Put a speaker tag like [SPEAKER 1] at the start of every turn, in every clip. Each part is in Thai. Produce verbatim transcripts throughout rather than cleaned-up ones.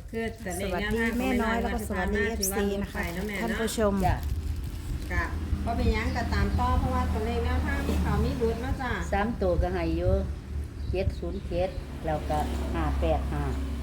[SPEAKER 1] คือแต่
[SPEAKER 2] ส
[SPEAKER 1] ใน
[SPEAKER 2] วัส
[SPEAKER 1] แนว
[SPEAKER 2] ดี
[SPEAKER 1] ทางของ
[SPEAKER 2] แม่น้อย
[SPEAKER 1] แ
[SPEAKER 2] แล้วก็สวัสดี เอฟ ซี
[SPEAKER 1] ถือว่า
[SPEAKER 2] นะคะ
[SPEAKER 1] ไปเนาะแม่
[SPEAKER 2] ท่าน
[SPEAKER 1] เนาะ
[SPEAKER 2] ผู้ชม
[SPEAKER 3] จ้ะ
[SPEAKER 1] กะเพราะเป็นหยังกะตามต่อเพราะว่าตัวเลขแนวทางที่เขามีรุดเนาะจ้ะ
[SPEAKER 3] สามตัวก็ให้อยู่เจ็ดศูนย์เจ็ดแล้วก็ห้าแปดห้า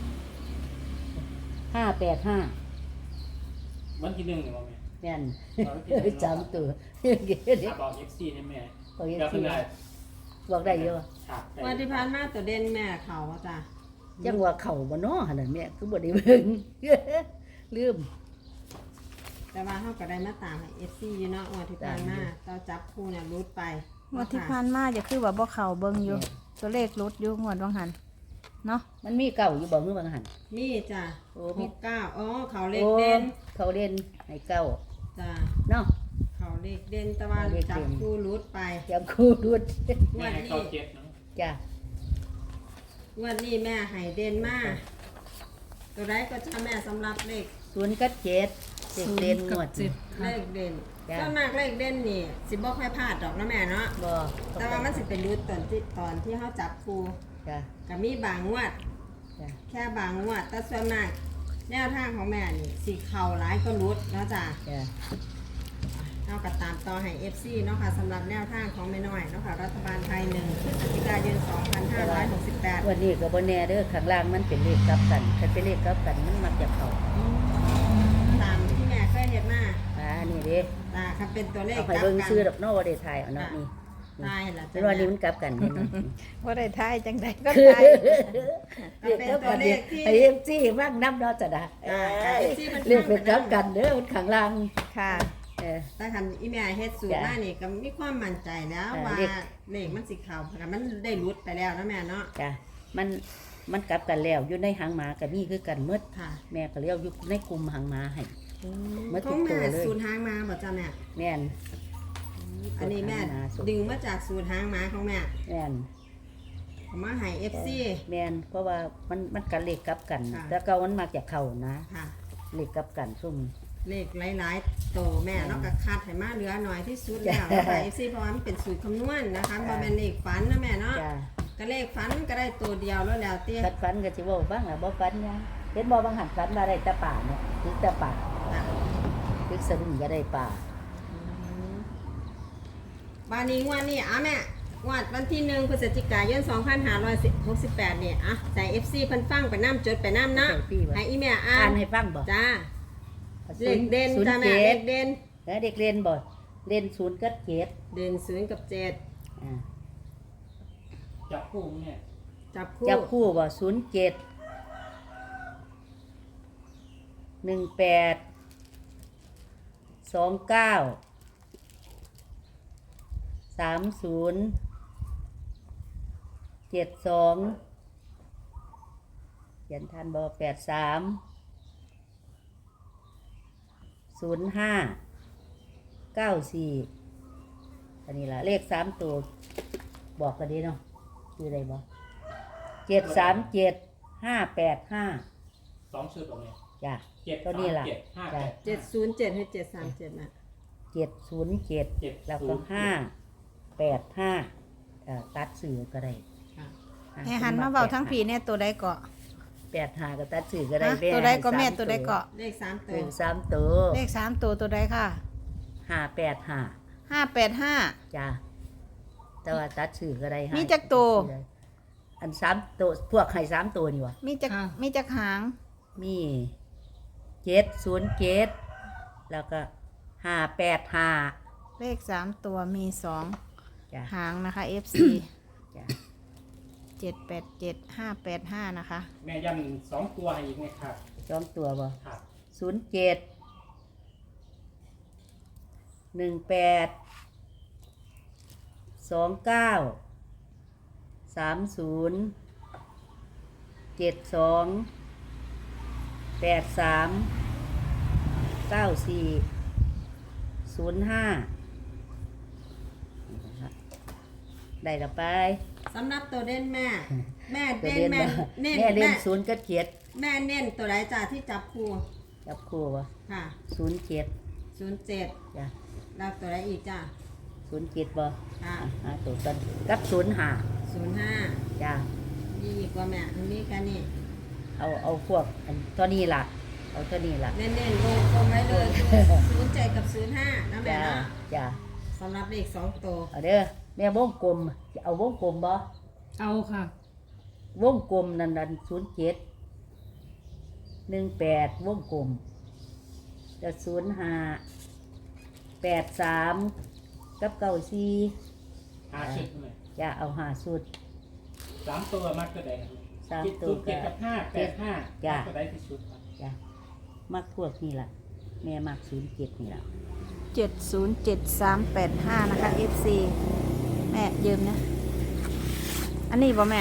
[SPEAKER 3] ห้าแปดห้า
[SPEAKER 4] วันที่หนึ่งเนี่ยว่าแม่
[SPEAKER 3] แม่น
[SPEAKER 4] วันที่หนึ่ง
[SPEAKER 3] สามตัว
[SPEAKER 4] ถ้าบอกเอฟซีเนี่ยแม่
[SPEAKER 3] บอก
[SPEAKER 4] เดี๋ยว
[SPEAKER 3] FC
[SPEAKER 4] เพิ่นได้
[SPEAKER 3] บอกได้เยอะ
[SPEAKER 4] ครับได้
[SPEAKER 1] วันที่ผ่านมาตัวเด่นแม่เขาว่าจ้ะ
[SPEAKER 3] จังว่าเข่าบ่เนาะหั่นน่ะแม่คือบ่ได้เบิ่ง ลืม
[SPEAKER 1] แต่ว่าเขาก็ได้มาตามให้ เอฟ ซี อยู่เนาะวันที่ผ่านมาเจ้าจับคู่เนี่ยรุดไป
[SPEAKER 2] งวดที่ผ่านมาจะคือว่าบ่เข้าเบิ่งอยู่ ตัวเลขลดอยู่งวดวังหันเนาะ
[SPEAKER 3] มันมีเก่าอยู่บ่มือบางหัน
[SPEAKER 1] มีจ้ะ
[SPEAKER 3] โอ้
[SPEAKER 1] ห
[SPEAKER 3] มี
[SPEAKER 1] กเก้าอ๋อเขาเลข
[SPEAKER 3] โอ้
[SPEAKER 1] เด่น
[SPEAKER 3] เขาเล่นให้เก่า
[SPEAKER 1] จ้ะ
[SPEAKER 3] เนาะ
[SPEAKER 1] เขาเลขเด่นแต่ว่า
[SPEAKER 3] เขาเลขเด่น
[SPEAKER 1] จับคู่รุดไป
[SPEAKER 3] ยังคู่ดูด
[SPEAKER 4] แม่ให้เข้าเจ็ดเนาะ
[SPEAKER 3] จ้ะ
[SPEAKER 1] งวันนี้แม่ให้เด่นมากตัวใดก็จะแม่สำหรับเลข
[SPEAKER 3] ศูนย์กับเจ็ดเด็กเล่นงวดนี่
[SPEAKER 1] เลขเด่น
[SPEAKER 3] จ้ะ
[SPEAKER 1] ส่วนมากเลขเด่นนี่สิบ่ค่อยพลาดดอกนะแม่เนาะ
[SPEAKER 3] บ่
[SPEAKER 1] แต่ว่ามันสิเป็นรุดตอนที่ตอนที่เขาจับคู่
[SPEAKER 3] จ้ะ
[SPEAKER 1] ก็มีบางงวด
[SPEAKER 3] จ้ะ
[SPEAKER 1] แค่บางงวดแต่ส่วนมากแนวทางของแม่นี่สิเข่าร้ายก็รุดเนาะจ้ะ
[SPEAKER 3] จ้ะ
[SPEAKER 1] เอากับตามต่อให้ เอฟ ซี เนาะค่ะสำหรับแนวทางของแม่น้อยเนาะค่ะรัฐบาลไทยหนึ่งพฤศจิกายนสองพันห้าร้อยหกสิบแปด
[SPEAKER 3] วันนี้ก็บ่แน่เด้อข้างล่างมันเป็นเลขกลับกันถ้าเป็นเลขกลับกันมันมักจะเข้า
[SPEAKER 1] ตามที่แม่เคยเห็นมา
[SPEAKER 3] อ่านี่เด้
[SPEAKER 1] ตาค่ะเป็นตัวเลข
[SPEAKER 3] เอา
[SPEAKER 1] ก
[SPEAKER 3] ให้
[SPEAKER 1] ลับ
[SPEAKER 3] เบิ่ง
[SPEAKER 1] กัน
[SPEAKER 3] ซื้อดอกเนาะบ่ได้ถ่ายเอาเนาะนี่
[SPEAKER 1] ตายละ
[SPEAKER 3] เป็นว่านี่มันกลับกันแน่นอน
[SPEAKER 2] ว่าได้ทายจังใดก็
[SPEAKER 3] คือ
[SPEAKER 2] ทาย
[SPEAKER 1] ก็เป็นตัวเลขที่
[SPEAKER 3] ไอ้เอ็มซีว่างน้ำเนาะจ้ะนะ
[SPEAKER 1] อ่า
[SPEAKER 3] เอ้ย
[SPEAKER 1] เอฟซีมัน
[SPEAKER 3] เลขเป็นกลับกันเด้อมันข้างล่าง
[SPEAKER 2] ค่ะ
[SPEAKER 3] เออ
[SPEAKER 1] แต่คันอีแม่เฮ็ดสูตรมานี่ก็มีความมั่นใจแล้ว
[SPEAKER 3] อ่า
[SPEAKER 1] ว่า
[SPEAKER 3] เลข
[SPEAKER 1] เลขมันสิเข้าเพราะมันได้รุดไปแล้วนะแม่เนาะ
[SPEAKER 3] จ้ะมันมันกลับกันแล้วอยู่ในหางหมากับมีคือกันหมด
[SPEAKER 1] ค่ะ
[SPEAKER 3] แม่ก็เลี้ยวอยู่ในกลุ่มหางหมาให้ เมื่อ
[SPEAKER 1] ข
[SPEAKER 3] ทุ
[SPEAKER 1] อก ง
[SPEAKER 3] ตัว
[SPEAKER 1] แม่
[SPEAKER 3] เลย
[SPEAKER 1] สูตรหางมาบ่จ้ะแม่
[SPEAKER 3] แม่น
[SPEAKER 1] อันนี้แม่
[SPEAKER 3] สูตรหางม้าสูตร
[SPEAKER 1] ดึงมาจากสูตรหางม้าของแม่
[SPEAKER 3] แม่น
[SPEAKER 1] เอามาให้ เอฟ ซี
[SPEAKER 3] แม่นเพราะว่ามันมันกันเลขกลับกัน
[SPEAKER 1] ค่ะ
[SPEAKER 3] แต่เก่ามันมักจะเข้านะ
[SPEAKER 1] ค่ะ
[SPEAKER 3] เลขกลับกันซุ่ม
[SPEAKER 1] เลขหลายๆโตแม่เนาะก็คัดให้มาเหลือหน่อยที่สุดแล้ว
[SPEAKER 3] จ้ะ
[SPEAKER 1] นะคะ เอฟ ซี เพราะว่ามันเป็นสูตรคำนวณนะคะ
[SPEAKER 3] จ้ะ
[SPEAKER 1] บ่แม่นเลขฝันนะแม่เนาะ
[SPEAKER 3] จ้ะ
[SPEAKER 1] ก็เลขฝันก็ได้ตัวเดียวแล้วแล้วเตี้ย
[SPEAKER 3] คัดฟันก็สิเว้าบ้างล่ะบ่ฟันหยังเห็นบ่บางหันฟันมาได้แต่ป่าเนาะถึงแต่ป่า
[SPEAKER 1] ค่ะ
[SPEAKER 3] ถึงสะดุ้งก็ได้ป่า
[SPEAKER 1] บานี้งวดนี้อ่ะแม่งวดวันที่หนึ่งพฤศจิกายนสองพันห้าร้อยหกสิบแปดเนี่ยอ่ะใส่ เอฟ ซี เพิ่นฟังไปน้ำจดไปน้ำเนาะ
[SPEAKER 3] ใส่พี่ว่า
[SPEAKER 1] ให้อีแม่อ่า
[SPEAKER 3] อ่าน
[SPEAKER 1] น
[SPEAKER 3] ให้ฟังบ่
[SPEAKER 1] จ้า
[SPEAKER 3] ศู
[SPEAKER 1] เล
[SPEAKER 3] น
[SPEAKER 1] ข
[SPEAKER 3] ย์
[SPEAKER 1] เด่น
[SPEAKER 3] ศูนย์
[SPEAKER 1] จ้าแม่
[SPEAKER 3] เจ็
[SPEAKER 1] เล
[SPEAKER 3] ด
[SPEAKER 1] ขเด่น
[SPEAKER 3] แล้วเด็กเรียนบ่เรียนศูนย์กับเจ็ด
[SPEAKER 1] เด่นศูนย์กับเจ็ด
[SPEAKER 3] อ่า
[SPEAKER 4] จับคู่เนี่ย
[SPEAKER 1] จับคู่
[SPEAKER 3] จับคู่บ่ศูนย์เจ็ดหนึ่งแปดสองเก้าสามศูนย์เจ็ดสองเขียนทันบ่แปดสามศูนย์ห้าเก้าสี่อันนี้ล่ะเลขสามตัวบอกกันดีเนาะคืออะไรบ่เจ็ดสามเจ็ดห้าแปดห้า
[SPEAKER 4] สองชุดตรงนี้
[SPEAKER 3] จ้ะ
[SPEAKER 4] เจ็ด
[SPEAKER 3] ก็นี่ล่ะ
[SPEAKER 4] เจ็ดห้า
[SPEAKER 3] จ้ะ
[SPEAKER 4] แปด
[SPEAKER 1] เจ็ดศูนย์เจ็ดให้เจ็ดสามเจ็ดนะ
[SPEAKER 3] เจ็ดศูนย์เจ็ด
[SPEAKER 4] เจ็ด
[SPEAKER 3] แล้วก็ห้าแปดห้าเอ่อตัดสื่อก็ได้
[SPEAKER 1] ค่ะ
[SPEAKER 3] อ่ะ
[SPEAKER 2] ให้หันมาเบาทั้งผีเนี่ยตัวใดเกาะ
[SPEAKER 3] แปดห้าก็ตัดสื่อก็ได้
[SPEAKER 2] ฮะ
[SPEAKER 3] แม่
[SPEAKER 2] ตัวใดก็แม่
[SPEAKER 3] ให้สา
[SPEAKER 2] ตัวใดเกาะ
[SPEAKER 1] เลขสามตั
[SPEAKER 3] ห
[SPEAKER 1] ว
[SPEAKER 3] นึ่งสามตัว
[SPEAKER 2] เลขสามตัวตัวใดค่ะ
[SPEAKER 3] ห้าแปดห้า
[SPEAKER 2] ห้าแปดห้า
[SPEAKER 3] จ้ะแต่ว่าตัดสื่อก็ได้
[SPEAKER 2] มีจักตัว
[SPEAKER 3] อันสามตัวพวกไข่สามตัวนี่วะ
[SPEAKER 2] มีจักมีจักหาง
[SPEAKER 3] มีเจ็ดศูนย์เจ็ดแล้วก็ห้าแปดห้า
[SPEAKER 2] เลขสามตัวมีสอง
[SPEAKER 3] จ้ะ
[SPEAKER 2] หางนะคะ เอฟ ซี
[SPEAKER 3] จ้ะ
[SPEAKER 2] เจ็ดแปดเจ็ดห้าแปดห้านะคะ
[SPEAKER 4] แม่ยันสองตัวให้อีกไหมครับ
[SPEAKER 3] สองตัวบ่
[SPEAKER 4] ครับ
[SPEAKER 3] ศูนย์เจ็ดหนึ่งแปดสองเก้าสามศูนย์เจ็ดสองแปดสามเก้าสี่ศูนย์ห้าได้แล้วไป
[SPEAKER 1] สำหรับตัวเด่นแม่ แม่
[SPEAKER 3] ตัว
[SPEAKER 1] เด่น
[SPEAKER 3] เล่น
[SPEAKER 1] แม่
[SPEAKER 3] บ่
[SPEAKER 1] เน้น
[SPEAKER 3] แม่เล่
[SPEAKER 1] แม่
[SPEAKER 3] นศูนย์กับเจ็ด
[SPEAKER 1] แม่เน้นตัวใดจ้าที่จับคู่
[SPEAKER 3] จับคู่วะ
[SPEAKER 1] ค่ะ
[SPEAKER 3] ศูนย์เจ็ด
[SPEAKER 1] ศูนย์เจ็ด
[SPEAKER 3] จ้ะ
[SPEAKER 1] แล้วตัวใดอีกจ้า
[SPEAKER 3] ศูนย์เจ็ดบ่
[SPEAKER 1] ค่ะ
[SPEAKER 3] อ่ะหาตัวกันกับศูนย์ห้า
[SPEAKER 1] ศูนย์ห้า
[SPEAKER 3] จ้ะ
[SPEAKER 1] มีอีกว่าแม่มีแค่นี้
[SPEAKER 3] กเอาเอาพวกอันตัวนี้ล่ะ เอาตัวนี้ล่ะ
[SPEAKER 1] เน้นๆวงกลมไว้เลยคือศูนย์เจ็ดกับศูนย์ห้านะแม่
[SPEAKER 3] จ้า
[SPEAKER 1] เนาะ
[SPEAKER 3] จ้า
[SPEAKER 1] สำหรับเลขสองตัว
[SPEAKER 3] เอาเด้อแม่วงกลมเอาวงกลมบ่
[SPEAKER 5] เอาค่ะ
[SPEAKER 3] วงกลมนั่นนั่นศูนย์เจ็ดหนึ่งแปดวงกลมจะศูนย์ห้าแปดสามกับเก้าสี่
[SPEAKER 4] หาชุดเลย
[SPEAKER 3] จะเอาหาสุด
[SPEAKER 4] สามตัวมัดก็ได้ครับ
[SPEAKER 3] สาม
[SPEAKER 4] เจ็ด
[SPEAKER 3] ตัว
[SPEAKER 4] ศูนย์เจ็ดกับห้าแปดห้า
[SPEAKER 3] จ้ะ
[SPEAKER 4] มัดก็ได้ที่ชุดครับ
[SPEAKER 3] จ้ะมักพวกนี่ล่ะ แม่มักศูนย์เจ็ดนี่ล่ะ
[SPEAKER 2] เจ็ดศูนย์เจ็ดสามแปดห้านะคะ เอฟ ซี แม่ยืมนะ อันนี้บ่แม่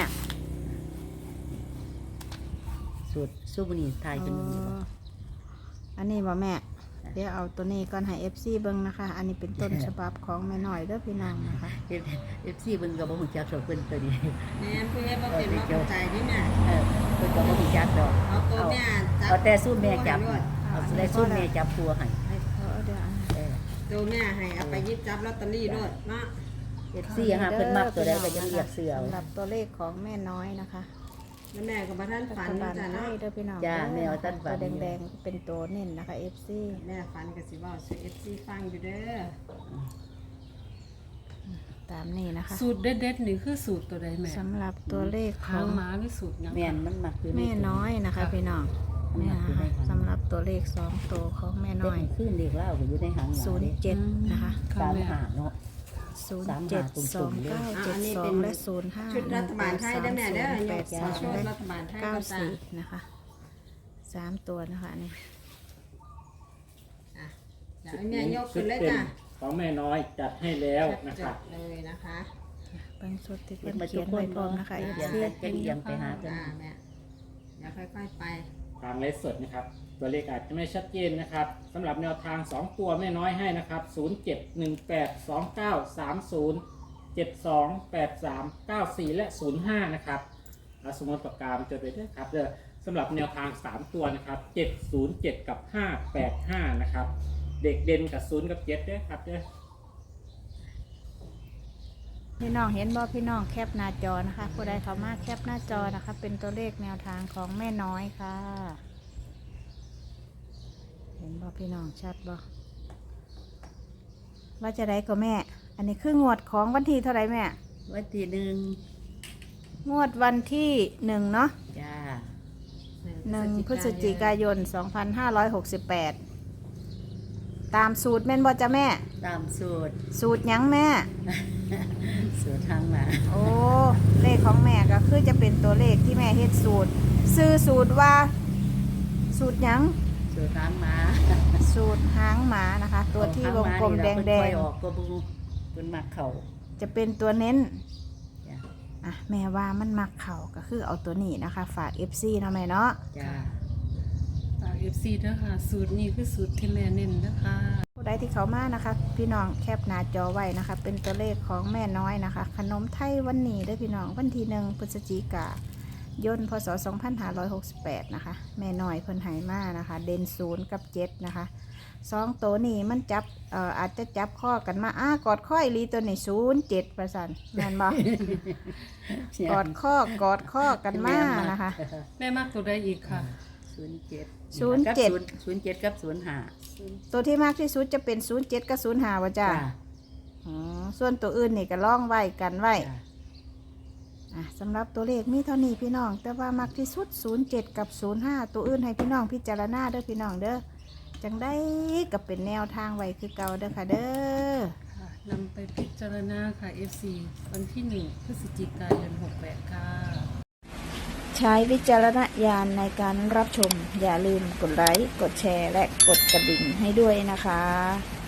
[SPEAKER 3] สุดซูบนีไทยเป็นมือบ่
[SPEAKER 2] อันนี้บ่แม่ เดี๋ยวเอาตัวนี้ก่อนให้ เอฟ ซี เบิ่งนะคะ อันนี้เป็นต้นฉบับของแม่น้อยเด้อพี่น้องนะคะ
[SPEAKER 3] เอฟเอฟซีเพิ่นก็บ่ฮู้จักดอกเพิ่นตัวนี้
[SPEAKER 1] แม่เพื่อบ่เป็นว่าเข้าใจนี่แม่
[SPEAKER 3] เออเพิ่นก็บ่ฮู้จักดอก
[SPEAKER 1] เอาตัวแม่จับ
[SPEAKER 3] เอาแต่สู้แม่จับ
[SPEAKER 1] ด้วย
[SPEAKER 3] เอาแต่สู้แม่จับครัวให้
[SPEAKER 2] เอาเดี๋ยวอัน
[SPEAKER 3] เออ
[SPEAKER 1] ตัวแม่ให้เอาไปหยิบจับลอตเตอรี่ด้วยเนาะ
[SPEAKER 3] เอฟซีหาเพิ่นมักตัวใดก็จะเรียกเสือเอา
[SPEAKER 2] สำหรับตัวเลขของแม่น้อยนะคะ
[SPEAKER 1] แล้วแม่ก็บ่ทัน
[SPEAKER 2] รั
[SPEAKER 1] ฝัน
[SPEAKER 2] ฐบาล
[SPEAKER 1] จ้ะ
[SPEAKER 2] ไท
[SPEAKER 1] เนาะ
[SPEAKER 2] ยเด้อพี่น้อง
[SPEAKER 3] จ้าแมวตันฝัน
[SPEAKER 2] ตัวแดงๆเป็นตัวเน้นนะคะ เอฟ ซี
[SPEAKER 1] แม่ฝันก็สิเว้าสู่ เอฟ ซี ฟังอยู่เด้อ
[SPEAKER 2] ตามนี้นะคะ
[SPEAKER 5] สูตรเด็ดๆนี่คือสูตรตัวใดแม่
[SPEAKER 2] สำหรับตัวเลขข
[SPEAKER 5] หา
[SPEAKER 2] อง ง
[SPEAKER 5] หมาหรือสูตรหยัง
[SPEAKER 3] แม่นมันมักอยู่ใน
[SPEAKER 2] แม่น้อยนะคะ พี่น้องนี่นะคะสำหรับตัวเลขสองตัวของแม่
[SPEAKER 3] น้
[SPEAKER 2] น้
[SPEAKER 3] อ
[SPEAKER 2] อย ย
[SPEAKER 3] ขึ้นเด็กเล่าก็อยู่ในหางหมา
[SPEAKER 2] ศูนย์เจ็ดนะคะ
[SPEAKER 5] ค่ะ
[SPEAKER 3] สาม
[SPEAKER 5] แม่
[SPEAKER 3] หาเนาะ
[SPEAKER 2] ศูนย์เจ็ดสองเก้าเจ็ดสองและศูนย์ห้า
[SPEAKER 1] ชุดรัฐบาลไทยเด้อแม่เด้อ
[SPEAKER 2] แป
[SPEAKER 1] ย
[SPEAKER 2] ด
[SPEAKER 1] ก
[SPEAKER 2] สอง
[SPEAKER 1] ชุด
[SPEAKER 2] และ
[SPEAKER 1] รัฐบาลไทย
[SPEAKER 2] เก้า
[SPEAKER 1] ก็จ้ะ
[SPEAKER 2] สี่นะคะสามตัวนะคะนี่
[SPEAKER 1] อ่ะเดี๋ยวให้แม่ยกขึ้นเลยจ้ะ
[SPEAKER 4] ของแม่น้อยจัดให้แล้วนะค
[SPEAKER 1] จั
[SPEAKER 4] รับ
[SPEAKER 1] ดเลยนะคะ
[SPEAKER 2] เป็นสุดที่
[SPEAKER 3] เขี
[SPEAKER 2] เพิ่
[SPEAKER 3] ยน
[SPEAKER 2] น
[SPEAKER 3] มาทุ
[SPEAKER 2] เขี
[SPEAKER 3] ก
[SPEAKER 2] ยน
[SPEAKER 3] ค
[SPEAKER 2] ไว้
[SPEAKER 3] น
[SPEAKER 2] พร้อ
[SPEAKER 3] เนาะ
[SPEAKER 2] มนะคะ
[SPEAKER 3] เขี
[SPEAKER 2] เอย
[SPEAKER 3] น
[SPEAKER 2] ฟซี
[SPEAKER 3] จะเอียงไปหาเพิ่น
[SPEAKER 1] อ่าแม่เดี๋ยวค่อยๆไป
[SPEAKER 4] ทางเลสสดนะครับ ตัวเลขอาจจะไม่ชัดเจนนะครับสำหรับแนวทาง สอง ตัวแม่น้อยให้นะครับ ศูนย์ เจ็ด หนึ่ง แปด สอง เก้า สาม ศูนย์ เจ็ด สอง แปด สาม เก้า สี่ และ ศูนย์ ห้า นะครับอาสมมติประกามจดไปด้วยครับเด้อสำหรับแนวทาง สาม ตัวนะครับ เจ็ด ศูนย์ เจ็ด กับ ห้า แปด ห้า นะครับ เด็กเด่นกับ ศูนย์ กับ เจ็ดด้วยครับเด้อ
[SPEAKER 2] พี่น้องเห็นบ่พี่น้องแคปหน้าจอนะคะผู้ใดเข้ามาแคปหน้าจอนะคะ เป็นตัวเลขแนวทางของแม่น้อยค่ะ เห็นบ่พี่น้องชัดบ่ว่าจะได้ก็แม่ อันนี้คืองวดของวันที่เท่าไหร่แม่
[SPEAKER 3] วันที่หนึ่ง
[SPEAKER 2] งวดวันที่หนึ่งเนาะ
[SPEAKER 3] จ้า
[SPEAKER 2] หนึ่งพฤศจิกายนสองพันห้าร้อยหกสิบแปดตามสูตรแม่นบ่จ้ะแม่
[SPEAKER 3] ตามสูตร
[SPEAKER 2] สูตรหยังแม่
[SPEAKER 3] สูตรทางหมา
[SPEAKER 2] โอ้ เลขของแม่ก็คือจะเป็นตัวเลขที่แม่เฮ็ดสูตร ซื้อสูตรว่า สูตรหยัง
[SPEAKER 3] สูตรทางหมา
[SPEAKER 2] สูตรหางหมานะคะ ตัวที่วงกลมแดง
[SPEAKER 3] เพิ่นปล่อยออกก็บ่เพิ่นมักเข้า
[SPEAKER 2] ๆ จะเป็นตัวเน้น
[SPEAKER 3] จ้า
[SPEAKER 2] อ่ะแม่ว่ามันมักเข่าก็คือเอาตัวนี้นะคะ ฝาก เอฟ ซี เนาะแม่เนาะ
[SPEAKER 3] จ้า
[SPEAKER 5] ฝาก เอฟ ซี เด้อค่ะ สูตรนี้คือสูตรที่แม่เน้นเด้อค่ะ
[SPEAKER 2] ผู้ใดที่เขามานะคะ พี่น้องแคปหน้าจอไว้นะคะ เป็นตัวเลขของแม่น้อยนะคะ ขนมไทยวันนี้เด้อพี่น้องวันที่หนึ่งพฤศจิกายนพศสองพันห้าร้อยหกสิบแปดนะคะ แม่น้อยเพิ่นไหมานะคะ เด่นศูนย์กับเจ็ดนะคะสองตัวนี้มันจับเอ่ออาจจะจับข้อกันมาอ้ากอดข้ออีหลีตัวนี้ศูนย์เจ็ดประสันแม่นบ่ กอดข้อกอดข้อกันมานะคะ
[SPEAKER 5] แม่มากตัวใดอีกค่ะ
[SPEAKER 3] ศูนย์เจ็ด
[SPEAKER 2] ศูนย์เจ็ด
[SPEAKER 3] ศูนย์เจ็ดกับศูนย์ห้า
[SPEAKER 2] ตัวที่มากที่สุดจะเป็นศูนย์เจ็ดกับศูนย์ห้าว่ะจ้า อ๋อส่วนตัวอื่นนี่ก็ล่องไว้กันไว้
[SPEAKER 3] จ้า
[SPEAKER 2] อ่ะสำหรับตัวเลขมีเท่านี้พี่น้อง แต่ว่ามักที่สุดศูนย์เจ็ดกับศูนย์ห้าตัวอื่นให้พี่น้องพิจารณาเด้อพี่น้องเด้อจังได้กับเป็นแนวทางไว้คือเก่าเด้อค่ะเด้อ
[SPEAKER 5] ค่ะนำไปพิจารณาค่ะ เอฟ ซี วันที่หนึ่งพฤศจิกายนหกแปดค่ะ
[SPEAKER 2] ใช้วิจารณญาณในการรับชม อย่าลืมกดไลค์กดแชร์และกดกระดิ่งให้ด้วยนะคะ